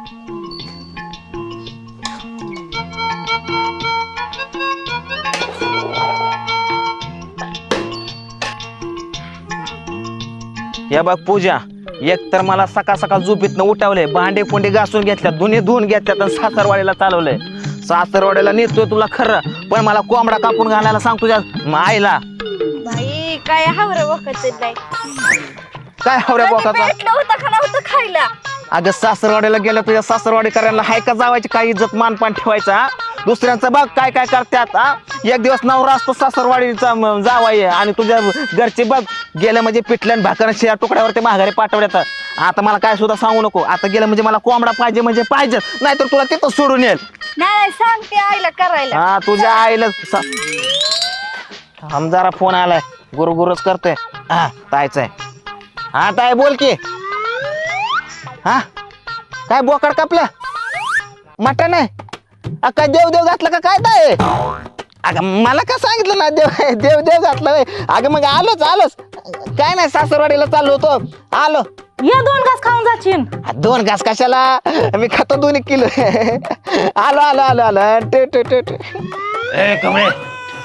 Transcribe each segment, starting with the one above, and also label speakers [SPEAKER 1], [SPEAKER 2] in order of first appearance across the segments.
[SPEAKER 1] या बघ पूजा, एक तर मला सकाळ सकाळ झोपेतनं उठावलंय, भांडे कोंडे घासून घेतल्यात, दोन्ही धुवून घेतल्यात आणि सासरवाडीला चालवलंय. सासरवाडीला नेतोय तुला खरं, पण मला कोंबडा कापून घालायला सांग तुझ्या आईला.
[SPEAKER 2] बाई काय हावरे वखत नाही.
[SPEAKER 1] काय हवऱ्या बोकाचा?
[SPEAKER 2] होतं खायला.
[SPEAKER 1] अगं सासरवाडीला गेल्या तुझ्या सासरवाडी करायला हाय का जावायची काही इज्जत मानपान ठेवायचा? दुसऱ्यांचं बघ काय काय करतात. एक दिवस नवरा असतो सासरवाडीचा जावाय आणि तुझ्या घरचे बघ गेलं म्हणजे पिठल्यान भाकर शिया तुकड्यावरती माघारी पाठवण्यात. आता मला काय सुद्धा सांगू नको, आता गेलं म्हणजे मला कोंबडा पाहिजे म्हणजे पाहिजे, नाहीतर तुला तिथं सोडून येईल.
[SPEAKER 2] नाही सांगते आईला करायला.
[SPEAKER 1] हा तुझ्या आईला जरा फोन आलाय, गुरुच करतोय. हा तायचं आहे. हा ताय बोल की. हा काय बोकड कापलं? मटण आहे? काय देव घातलं का काय ताय? अगं मला का सांगितलं ना देव घातलं? अगं मग आलोच काय नाही, सासरवाडीला चाललो होतो, आलो.
[SPEAKER 3] ये 2 घास खाऊन जाशील.
[SPEAKER 1] 2 घास कशाला, मी खातो 2 किलो. आलो
[SPEAKER 4] कमळे,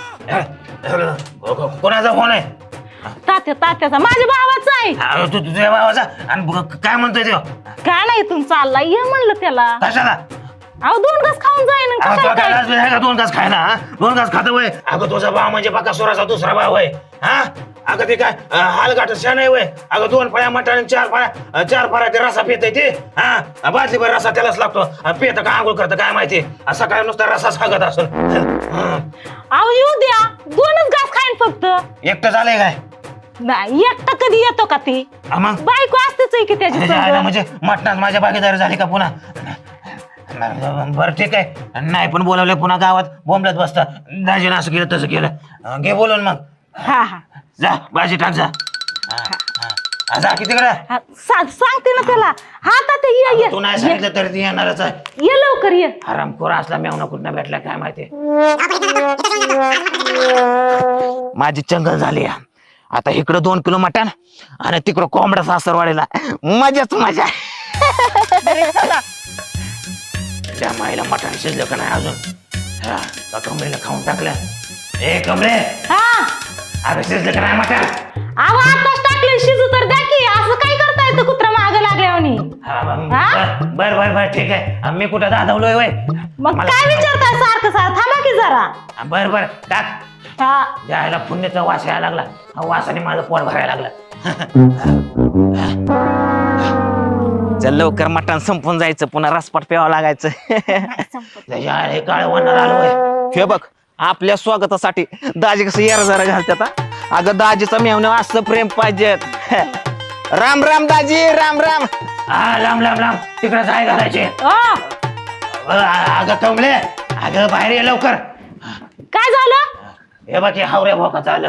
[SPEAKER 4] कोणाचा फोन आहे?
[SPEAKER 3] तात्याचा, माझ्या भावाचा आहे.
[SPEAKER 4] तू तुझ्या भावाचा? आणि काय म्हणतोय तो?
[SPEAKER 3] काय नाही इथून चालला, ये म्हणलं त्याला.
[SPEAKER 4] कशाला?
[SPEAKER 3] अहो 2 घास खाऊन जाईन.
[SPEAKER 4] का 2 घास खायला? 2 घास खात वय? अगं तुझा भाव म्हणजे बकासुराचा दुसरा भाव आहे. हा अगं ते काय हालगाठ शान आहे वय? अगं 2 फळ्या मटण 4 फळ्या ते रसा पित ते. हा बाटली भर रसा त्यालाच लागतो. पित का आंघोळ करतं काय माहिती, सकाळी नुसता रसा सांगत असून.
[SPEAKER 3] अहो येऊ द्या, 2च घास खाईन फक्त.
[SPEAKER 4] एकटं झालंय काय?
[SPEAKER 3] नाही एकटा कधी येतो का ती?
[SPEAKER 4] मग
[SPEAKER 3] बायको असतेच आहे की त्याची संग.
[SPEAKER 4] म्हणजे मटणात माझ्या भागीदारी झाली का पुन्हा? बरं ठीक आहे, नाही पण बोलावलं पुन्हा गावात बोंबलत बसता. दाजीनं असं केलं तसं केलं, घे बोलून मग.
[SPEAKER 3] हा
[SPEAKER 4] जा भाजी टाक जा. जा कितीकडे
[SPEAKER 3] सांगते ना त्याला. हा तात्या ये
[SPEAKER 4] तू नाही सांगितलं तरी ती येणारच आहे.
[SPEAKER 3] ये लवकर ये.
[SPEAKER 4] हरामखोर असला मेवना कुठं भेटला काय माहिती.
[SPEAKER 1] माझी चंगल झाली. आता इकडं 2 किलो मटण आणि तिकडं कोंबडा सासरवाडीला. मजाच मजा.
[SPEAKER 4] त्या माईला मटण शिजलं का नाही अजून? हा कमरेला खाऊन टाकलं. ए कमरे, अगं शिजलं का नाही मटण?
[SPEAKER 3] अहो आताच टाकलं, शिजू तर द्या की. असं काय करता येतं कुत्रा मागं लागल्यावानी?
[SPEAKER 4] बर ठीक आहे. मी कुठं दादावलोय वय?
[SPEAKER 3] मग काय विचारताय सारखं थांबा की जरा.
[SPEAKER 4] बर टाक. जायला पुण्याचा वास यायला लागला, वासाने माझं पोट भरायला लागलं.
[SPEAKER 1] चल लवकर मटण संपून जायचं, पुन्हा रसपाट प्यावं लागायचं.
[SPEAKER 4] हे काळ वनार आलोय.
[SPEAKER 1] हे बघ आपल्या स्वागतासाठी दाजी कसं यार जरा घालतात. अगं दाजीचं मेवणं असं प्रेम पाहिजे. राम राम दाजी, राम राम.
[SPEAKER 4] हा लांब तिकडे जाय घालायचे. अगं कमले, अगं बाहेर ये लवकर.
[SPEAKER 3] काय झालं?
[SPEAKER 4] हे बाकी हावऱ्या भोकाचं आलं.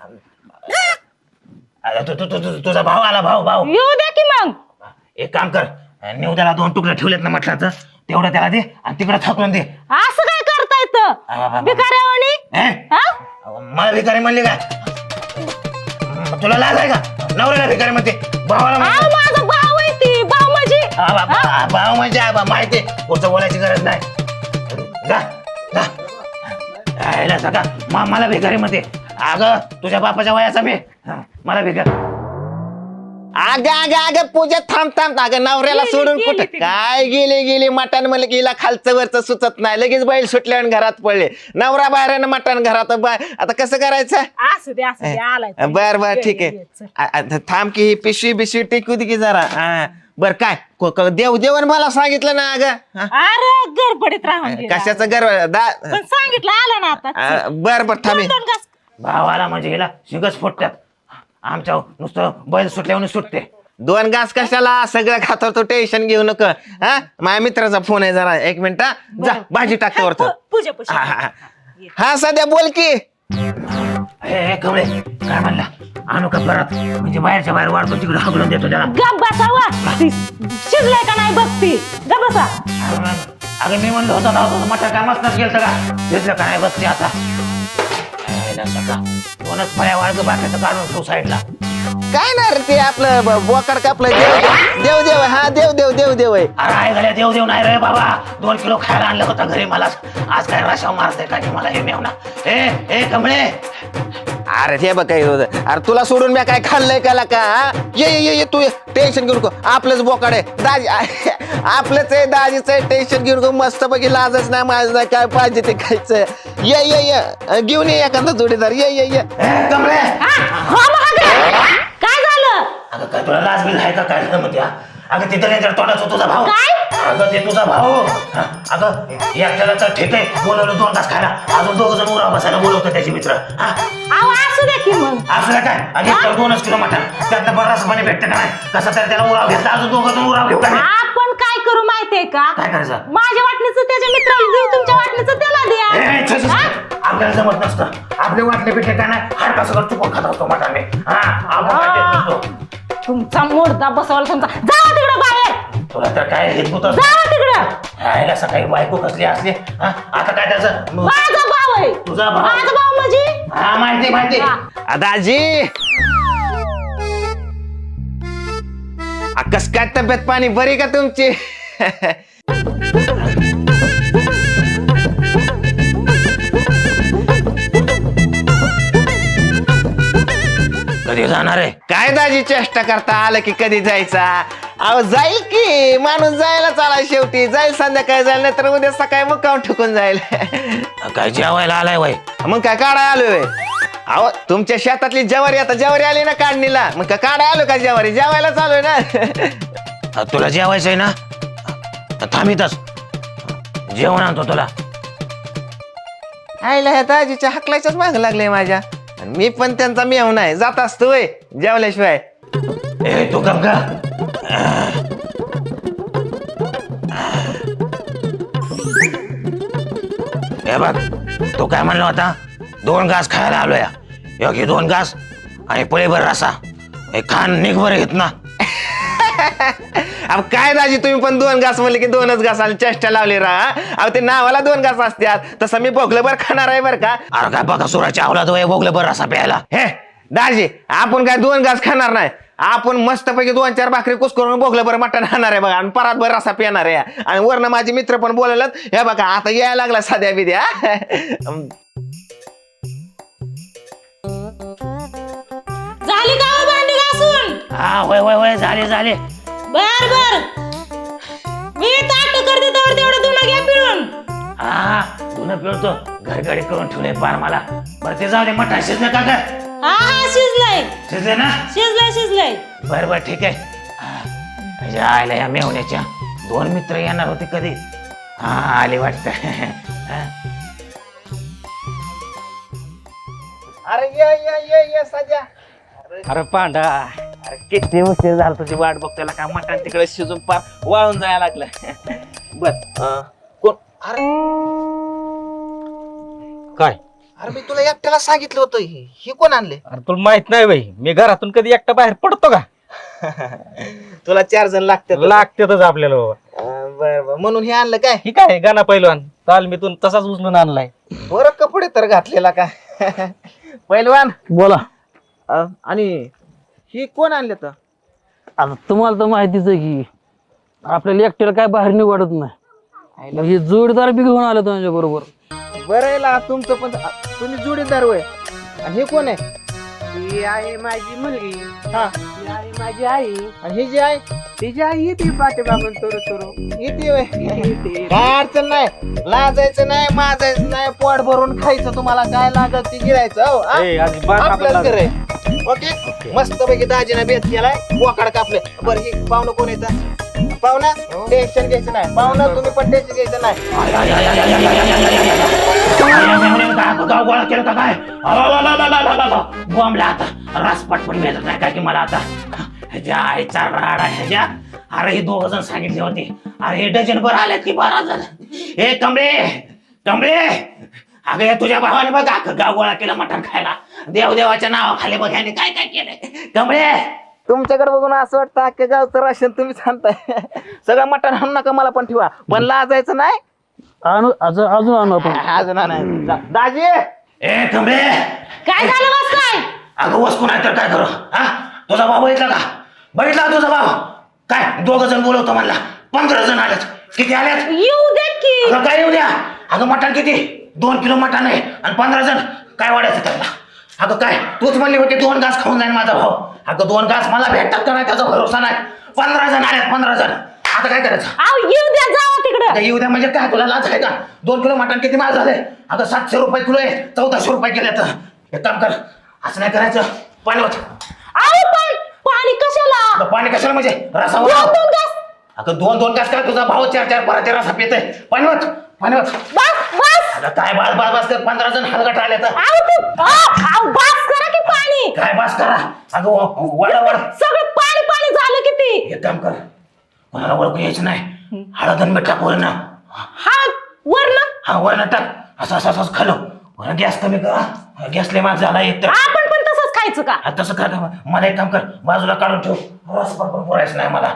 [SPEAKER 4] तुझा भाव आला, भाव
[SPEAKER 3] येऊ द्या की. मग
[SPEAKER 4] एक काम कर, निवद्याला 2 तुकडे ठेवलेत ना मटणाचं, तेवढं त्याला दे आणि तिकडे थाकून दे.
[SPEAKER 3] असं काय करता येतं भिकाऱ्यावानी?
[SPEAKER 4] मला भिकारी म्हणली का? तुला लाज आहे का? नवऱ्याला भिकारी म्हणते, भावाला
[SPEAKER 3] माझा भाव आहे ती. भाव म्हणजे
[SPEAKER 4] भाव म्हणजे माहिती, पुढचं बोलायची गरज नाही. जा सका मला भिकारी म्हणते. अगं तुझ्या बापाच्या वयाचा मी, मला भिकार.
[SPEAKER 1] अगं पूजा थांब. अगं नवऱ्याला सोडून कुठं काय गेली मटण म्हणलं की हिला खालचं वरचं सुचत नाही. लगेच बैल सुटल्यावर घरात पडले. नवरा बाहेर मटण घरात. आता कसं करायचं?
[SPEAKER 3] असू दे आलाय.
[SPEAKER 1] बर ठीक आहे. थांब की पिशवी बिशवी टेकू दे की जरा. बर काय देवण मला सांगितलं ना. अगं
[SPEAKER 3] अरे गडबडीत राहून
[SPEAKER 1] कशाचं
[SPEAKER 3] पण सांगितलं आलं ना आता.
[SPEAKER 1] बर थांबे.
[SPEAKER 4] भावाला म्हणजे हिला शिंगच फुटतात. आमच्या नुसतं बैल सुटल्यावर सुटते.
[SPEAKER 1] 2 घास कशाला, सगळं खातो तू, टेन्शन घेऊ नको. माझ्या मित्राचा फोन आहे, जरा 1 मिनिट. जा भाजी टाकतो वरतो. हा सध्या बोल की.
[SPEAKER 4] हे कमळे काय म्हणला? आणू का परत? म्हणजे बाहेरच्या बाहेर वाढतो तिकडे हगलून देतो त्याला.
[SPEAKER 3] गप बसावा. शिजलाय का नाही बघती. गप बसा.
[SPEAKER 4] अगं मी म्हणलं होतं मटा कामाच गेलं का? शिजलं का नाही बघते आता. 2च फळ्या वाळग बाकीचं काढून ठेवू साईडला.
[SPEAKER 1] काय ना रे ते आपलं बोकाड कापलं देव देव हा देव देव देव देव आहे.
[SPEAKER 4] अरे आहे घाल्या देव देव नाही रे बाबा 2 किलो खायला आणलं होतं घरी मला आज काय रशाव मारते का मला हे मेवना ए कमळे
[SPEAKER 1] अरे ते बघ काय होतं अरे तुला सोडून मी काय खाल्लंय का हा? ये तू टेन्शन घेऊ नको आपलंच बोकाड आहे दाजी आपलंच आहे दाजीच आहे टेन्शन घेऊ नको मस्त पैकी लाजच नाही माझं नाही काय पाहिजे ते खायचं ये घेऊन ये एखादा जोडीदार ये
[SPEAKER 4] कमळे
[SPEAKER 3] हो महागडे काय झालं
[SPEAKER 4] अगं काय तुला लाज बिल आहे का काय झालं म्हणते अगं तिथं नाही तर तोंडाचा तुझा भाऊ
[SPEAKER 3] काय?
[SPEAKER 4] अगं ते तुझा भाऊ अगं एकट्याला तर ठीक आहे बोलवलं 2 तास खायला अजून 2 जण उरा बसायला बोलवतं त्याचे मित्र
[SPEAKER 3] अहो असू दे की मग
[SPEAKER 4] असं काय आणि 2 किलो मटण त्यातनं बराच पाणी भेटतं का नाही कसं तर त्याला उराव घेतला अजून 2 जण उराव घेऊ का नाही?
[SPEAKER 3] आपण काय करू माहितीये का
[SPEAKER 4] काय करायचं
[SPEAKER 3] माझ्या वाटणीचं त्याच्या मित्राला देऊ तुमच्या वाटणीचं त्याला
[SPEAKER 4] ए, छे, छे,
[SPEAKER 3] द्या
[SPEAKER 4] छे. आपल्याला जमत नसतं आपले वाटले पिठे काय नाही हाड कसं कर चुकून खात असतो मटाने आपण काय देत नसतो.
[SPEAKER 3] तुमचा मोडदा बसवायला तुमचा जावा तिकडं बाहेर
[SPEAKER 4] तुला तर काय हेत होत
[SPEAKER 3] जावा तिकडं
[SPEAKER 4] राहायला सकाळी बायको कसली असली आता काय त्याचं
[SPEAKER 3] माझा भाऊ आहे
[SPEAKER 4] तुझा भाऊ?
[SPEAKER 3] माझा भाऊ म्हणजे
[SPEAKER 4] हा माहिती
[SPEAKER 1] दाजी कस काय तब्येत पाणी बरी का तुमची
[SPEAKER 4] कधी जाणार आहे
[SPEAKER 1] काय दाजी चेष्टा करता आलं की कधी जायचा अहो जाईल की माणूस जायला चाला शेवटी जाईल संध्याकाळी जाईल नाही तर उद्या सकाळी मग काम ठुकून जाईल
[SPEAKER 4] काय जेवायला आलाय वय
[SPEAKER 1] मग काय काढाय आलोय अहो तुमच्या शेतातली ज्वारी आता ज्वारी आली ना काढणीला मग काय काढाय आलो का ज्वारी जेवायला चालूय ना
[SPEAKER 4] तुला जेवायचंय ना थांबितच जेवण आणतो तुला
[SPEAKER 1] आईला ह्या दाजीच्या हकलाच्याच माग लागले माझ्या आणि मी पण त्यांचा मेव नाही जात असतोय जेवल्याशिवाय
[SPEAKER 4] ए तू गप गा हे बघ तो काय म्हणला होता 2 घास खायला आलोय योगी 2 घास आणि पळीभर रसा हे खान निघवर घेत ना
[SPEAKER 1] अब काय दाजी तुम्ही पण 2 घास म्हणले की 2च घास आणि चेष्टा लावली राहा अहो ते नावाला 2 घास असतात तसं मी भोगलं बर खाणार आहे बर का
[SPEAKER 4] अरे काय बघा सुराच्या आवला तो बोगलं बरं रसा प्यायला
[SPEAKER 1] हे दाजी आपण काय 2 घास खाणार नाही आपण मस्तपैकी 2-4 भाकरी कुस करून भोगलं बरं मटण खाणार आहे बघा आणि परात भर रसा पिणार आहे आणि वरनं माझे मित्र पण बोलवलं हे बघा आता यायला लागला साध्या बिद्या
[SPEAKER 3] झाली का हो भांडी घासून
[SPEAKER 4] हा होय झाले
[SPEAKER 3] बर मी ताट करते तर तेवढं तुला घ्या पिळून
[SPEAKER 4] हा तुला पिळतो घरगडी करून ठेवले पार मला बरं ते जाऊ दे मटण शिजलं का ग
[SPEAKER 3] हा शिजलंय
[SPEAKER 4] शिजले ना
[SPEAKER 3] शिजलंय
[SPEAKER 4] बर ठीक आहे आयला या मेवण्याच्या 2 मित्र येणार होते कधी हा आले वाटत
[SPEAKER 1] अरे ये साध्या
[SPEAKER 5] अरे पांडा
[SPEAKER 1] अरे किती उशीर झाला तुझी वाट बघतायला का मटण तिकडे शिजून पार वाळून जायला लागलं बर कोण अरे
[SPEAKER 5] काय
[SPEAKER 1] अरे मी तुला एकट्याला सांगितलं होतं ही कोण आणले
[SPEAKER 5] अरे तुला माहित नाही बाई मी घरातून कधी एकटा बाहेर पडतो का
[SPEAKER 1] तुला 4 जण लागतात
[SPEAKER 5] लागतेच आपल्याला बाबा
[SPEAKER 1] बर म्हणून हे आणलं काय
[SPEAKER 5] ही काय गाणं पहिलवान चाल मी तू तसाच उचलून आणलाय
[SPEAKER 1] बरं कपडे तर घातलेला का पहिलवान
[SPEAKER 6] बोला
[SPEAKER 1] आणि ही कोण आणले तर
[SPEAKER 6] आता तुम्हाला तर माहितीच आहे की आपल्याला एकट्याला काय बाहेर निवडत नाही मग हे जोडीदार बी घेऊन आले तुमच्या बरोबर
[SPEAKER 1] बरं आहे ला, तुमचं पण तुम्ही जोडीदार होय आणि हे कोण आहे
[SPEAKER 6] ही आहे माझी मुलगी
[SPEAKER 1] हा
[SPEAKER 6] ही आहे माझी आई
[SPEAKER 1] आणि ही जी आहे
[SPEAKER 6] तिची आई येते पाठीमागून सुरू
[SPEAKER 1] येते होय काय अडचण नाही लाजायचं नाही माजायचं नाही पोट भरून खायचं तुम्हाला काय लागत ते गिरायचं हो हा? आपलंच घर आहे ओके मस्त पैकी दाजीने बेत केलाय बोकाड कापले बरं ही पाहुणं कोण येतं पाहुणा टेन्शन घ्यायचं नाही पाहुणं तुम्ही पण टेन्शन घ्यायचं नाही
[SPEAKER 4] गाव गोळा केलं का काय बॉम्बला आता रस पटपट मिळत नाही काय की मला आता ह्याच्या आईचा राडा ह्याच्या अरे हे 2 जण सांगितले होते अरे हे डझन भर आल्यात की 12 जण हे कमळे अगं या तुझ्या भावाने बघ अख्खं गाव गोळा केलं मटण खायला देवदेवाच्या नावाखाली बघ ह्याने काय काय केलंय कमळे
[SPEAKER 1] तुमच्याकडे बघून असं वाटतं अख्ख्या गावचं राशन तुम्ही सांगताय सगळं मटण आणू नका मला पण ठेवा पण लाजायचं नाही
[SPEAKER 6] अजून आणू आपण
[SPEAKER 1] अजून नाही दाजी
[SPEAKER 4] ए कमळे
[SPEAKER 3] काय झालं बस काय
[SPEAKER 4] अगं वस्तू नाही तर काय करू हा तुझा भाऊ बघितला का तुझा भाऊ? काय 2 जण बोलवतो म्हणला, 15 जण आलेत. किती आलेत?
[SPEAKER 3] येऊ दे की.
[SPEAKER 4] अगं काय येऊ द्या. अगं मटण किती? 2 किलो मटण आहे आणि 15 जण काय वाढायचं त्यांना? अगं काय तूच म्हणली होती 2 घास खाऊन जाईल माझा भाऊ. अगं 2 घास मला भेटतात का नाही त्याचा भरोसा नाही. 15 जण आलेत, 15 जण. आता काय करायचं?
[SPEAKER 3] अहो येऊ द्या, जावा तिकडं.
[SPEAKER 4] आता येऊ द्या म्हणजे काय, तुला लाज आहे का? 2 किलो मटण किती महाग झाले? अगं 700 रुपये किलो आहे, 1400 रुपये केले. तर एक काम कर, असं नाही करायचं. पाणी होत.
[SPEAKER 3] अहो पण पाणी कशाला?
[SPEAKER 4] पाणी कशाला म्हणजे रसावर?
[SPEAKER 3] 2 घास.
[SPEAKER 4] अगं 2 घास काय, तुझा भाऊ 4 पराचे रसा पित आहे. पाणी होत.
[SPEAKER 3] बस.
[SPEAKER 4] अगं काय बास कर, 15 जण हलगट आले तर.
[SPEAKER 3] अहो बस करा की पाणी.
[SPEAKER 4] काय बास करा? अगं वड
[SPEAKER 3] सगळं पाणी झालं किती.
[SPEAKER 4] एक काम कर, कोणाला ओळखू यायचं नाही. हळद आणि मीठ टाक वरण.
[SPEAKER 3] हा वरण.
[SPEAKER 4] हा वरण टाक. असं खालो. वरण गॅस कमी करा, गॅस लय महाग झाला एक तर.
[SPEAKER 3] आपण पण तसंच खायचं का?
[SPEAKER 4] तसं कर. मला एक काम कर, बाजूला काढून ठेव. रस पण बोलायचं नाही मला.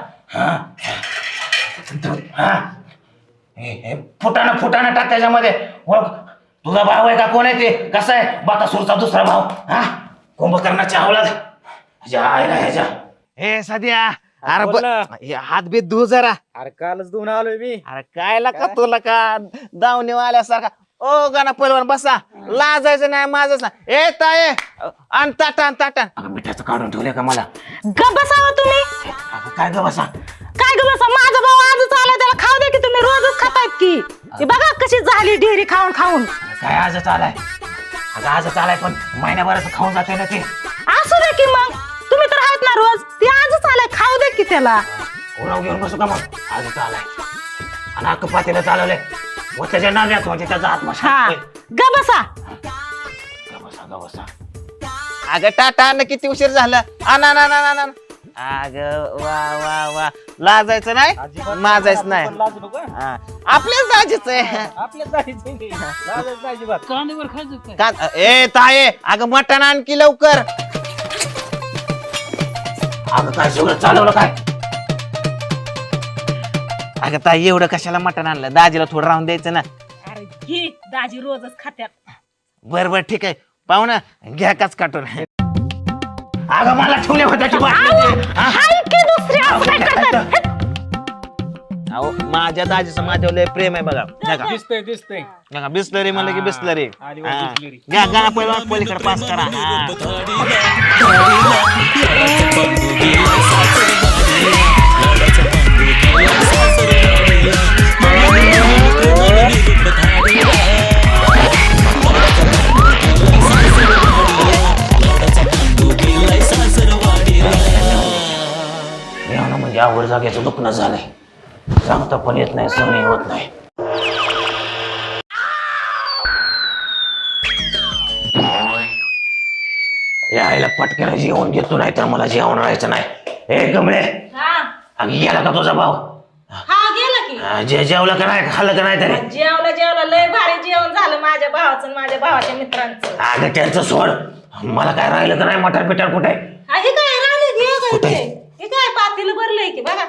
[SPEAKER 4] फुटाणं टाक त्याच्यामध्ये. ओळख, तुझा भाऊ आहे का कोण आहे ते? कसा आहे? बाकासूरचा दुसरा भाऊ. कुंभकर्णाच्या हवलात ह्याच्या. हे सध्या अरे
[SPEAKER 5] बोल ना.
[SPEAKER 1] हात बीत धु जरा.
[SPEAKER 5] अरे कालच धुवून आलोय मी.
[SPEAKER 1] अरे काय का तुला का दावणी आल्यासारखा. ओ गाणं पहिलवान बसा, लाजायचं नाही माझंच नाही. ए ताये आण ताटान.
[SPEAKER 4] अगं मिठाचं काढून ठेवलंय का मला?
[SPEAKER 3] गप बसावं तुम्ही.
[SPEAKER 4] काय ग बसा?
[SPEAKER 3] काय ग बसा? माझा भाऊ आजच आला, त्याला खाऊ दे की. तुम्ही रोजच खातायत की. ती बघा कशी झाली डेअरी खाऊन.
[SPEAKER 4] काय आजच आलाय? अगं आजच आलाय पण महिन्याभराचं खाऊन जाते ना ते.
[SPEAKER 3] असू दे की मग. तुम्ही तर आहेत ना रोज. ती आजच आलाय, खाऊ दे की त्याला.
[SPEAKER 4] ओराव घेऊन बसू का मग? आजच आलाय आणि अख्खं पातेलं चालवलंय. व त्याच्या नाव्यात म्हणजे त्याचा आत्मा
[SPEAKER 3] हा
[SPEAKER 4] शांत.
[SPEAKER 3] ग बसा.
[SPEAKER 4] बसा.
[SPEAKER 1] अगं टाटा किती उशीर झाला. आना अगं वा लाजायचं नाही,
[SPEAKER 5] अजिबात
[SPEAKER 1] माजायचं नाही.
[SPEAKER 5] पण लाजू नको, हं?
[SPEAKER 1] हा. आपल्याच दाजीच आहे.
[SPEAKER 5] आपल्याच जायचं नाही. लाजायचं नाही अजिबात.
[SPEAKER 6] कांद्यावर खायचं काय?
[SPEAKER 1] ए ताये अगं मटण आणखी लवकर.
[SPEAKER 4] अगं काय सगळं चालवलं काय?
[SPEAKER 1] अगं ताई एवढं कशाला मटण आणलं? दाजीला थोडं राहून द्यायचं ना.
[SPEAKER 3] अरे घे, दाजी रोजच खात्यात.
[SPEAKER 1] बर ठीक आहे पाहुणा, घ्या काच काटून.
[SPEAKER 4] अगं मला ठेवले होत्या की
[SPEAKER 3] हाय की दुसरी असं काय करतात?
[SPEAKER 1] अहो माझ्या दाजीचं माझ्यावर लय प्रेम आहे बघा. नका
[SPEAKER 5] दिसतंय.
[SPEAKER 1] नका बिस्लरी म्हणलं की बिस्लरी.
[SPEAKER 5] आदिवासी
[SPEAKER 1] हा.
[SPEAKER 5] बिस्लरी.
[SPEAKER 1] घ्या गाणं पहिलं पलीकडे पास करा. हा.
[SPEAKER 4] यानं म्हणजे आवड जागेचं दुखणं झालंय. सांगता पण येत नाही, सहनही होत नाही. यायला पटकन जेवण घेतो नाही तर मला जेवण राहायचं नाही. ए गमळे, अगं गेला का तुझा भाऊ?
[SPEAKER 3] हा गेला की.
[SPEAKER 4] जेवला का नाही? खाल्लं का नाही तरी?
[SPEAKER 3] जेवला लय भारी जेवण झालं माझ्या भावाचं आणि माझ्या भावाच्या मित्रांचं.
[SPEAKER 4] अगं त्यांचं सोड, मला काय राहिलं का नाही? मटार पिटार कुठे?
[SPEAKER 3] हे काय राहिले घे
[SPEAKER 4] कुठे?
[SPEAKER 3] हे काय पातेलं भरलंय की बघा.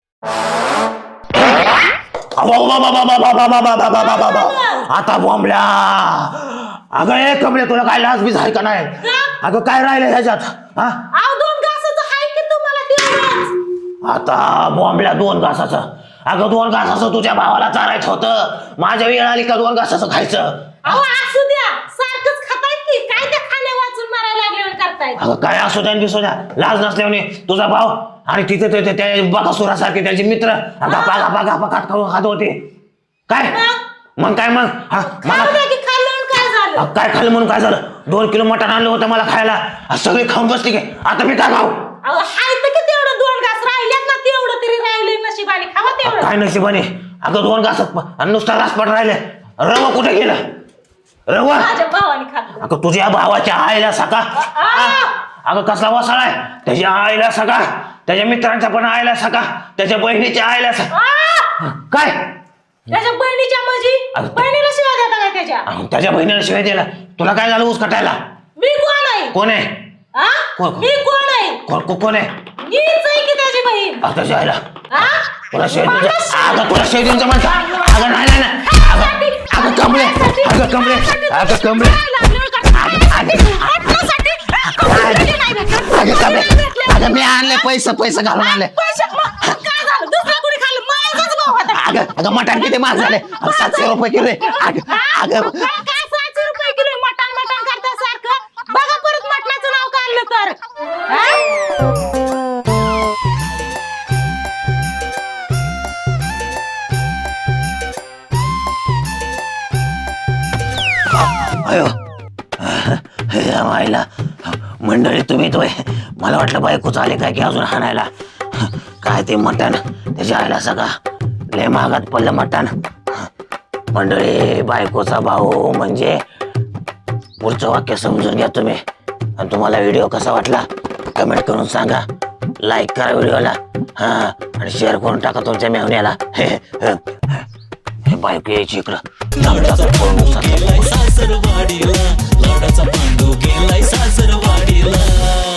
[SPEAKER 4] आता बोंबल्या. अगं ए कमले, तुला काय लाज बीज आहे का नाही? अगं काय राहिलं ह्याच्यात? हा
[SPEAKER 3] अहो 2 घासाचं हाय की तुम्हाला तेवढंच.
[SPEAKER 4] आता बोंबल्या 2 घासाचं. अगं 2 घासाचं तुझ्या भावाला चारायचं होतं. माझ्या वेळ आली का 2 घासाचं खायचं?
[SPEAKER 3] अहो असू द्या, सारखंच खातायत की. काय त्या खाण्या वाचून मारायला लागल्यावर करतायत.
[SPEAKER 4] अगं काय असू द्या दिसू द्या, लाज नसल्याने तुझा भाव आणि तिथे त्या बकासुरासारखे त्याचे मित्र गपा खात होते. काय मग काय मग?
[SPEAKER 3] खाऊ द्या की. खाल्लं काय झालं?
[SPEAKER 4] काय खाल्लं म्हणून काय झालं? 2 किलो मटण आणलं होतं मला खायला. सगळे खाऊन बसली की. आता मी काय खाऊ?
[SPEAKER 3] अहो हाय तर की तेवढं 2 घास राहिल्यात ना, तेवढं तरी राहिले नशिबाने. खावा तेवढं.
[SPEAKER 4] काय नशिबाने? अगं 2 घासात नुसता घासपट राहिले. रवा कुठे गेला? रवा
[SPEAKER 3] माझ्या भावाने खाल्लं.
[SPEAKER 4] अगं तुझ्या भावाच्या आईला सका. अगं कसला वसाळ आहे? त्याच्या आईला सका, त्याच्या मित्रांच्या पण आईला सका, त्याच्या बहिणीच्या आईला सका. काय
[SPEAKER 3] त्याच्या बहिणीच्या म्हणजे बहिणीला शिवाय देता काय त्याच्या?
[SPEAKER 4] त्याच्या बहिणीला शिवाय दिला? तुला काय झालं ऊस कटायला?
[SPEAKER 3] मी कोण आहे?
[SPEAKER 4] कोण आहे? कोण?
[SPEAKER 3] मी कोण आहे?
[SPEAKER 4] कोण आहे?
[SPEAKER 3] मीच आहे की त्याची बहीण.
[SPEAKER 4] त्याच्या आईला
[SPEAKER 3] हा?
[SPEAKER 4] तुला शिवाय
[SPEAKER 3] मला
[SPEAKER 4] अगं तुला शिवाय देऊन जमायचं? अगं नाही अगं कमळे.
[SPEAKER 3] हटण्यासाठी.
[SPEAKER 1] अगं कमी अगं मी आणले पैसे घालून आले
[SPEAKER 3] पैसे काय झालं दुसरा कोणी खाल्लं माझाच भाऊ होता
[SPEAKER 1] अगं मटण किती महाग झाले 700 रुपये किलो आहे. अगं
[SPEAKER 3] काय 700 रुपये किलो मटण करता सारखं बघा परत मटणाचं नाव काढलं तर हा?
[SPEAKER 1] अयो हे मायला मंडळी तुम्ही तो मला वाटलं बायकोच आले काय की अजून हाणायला काय ते मटण त्याच्या आईला सगळा लय महागात पडलं मटण मंडळी बायकोचा भाऊ म्हणजे पुढचं वाक्य समजून घ्या तुम्ही आणि तुम्हाला व्हिडिओ कसा वाटला कमेंट करून सांगा लाईक करा व्हिडिओला हा आणि शेअर करून टाका तुमच्या मेहण्याला हे बायको यायची इकडं लावण्याचा
[SPEAKER 7] सासरवाडीला लाडाचा पांडू गेलाय सासरवाडीला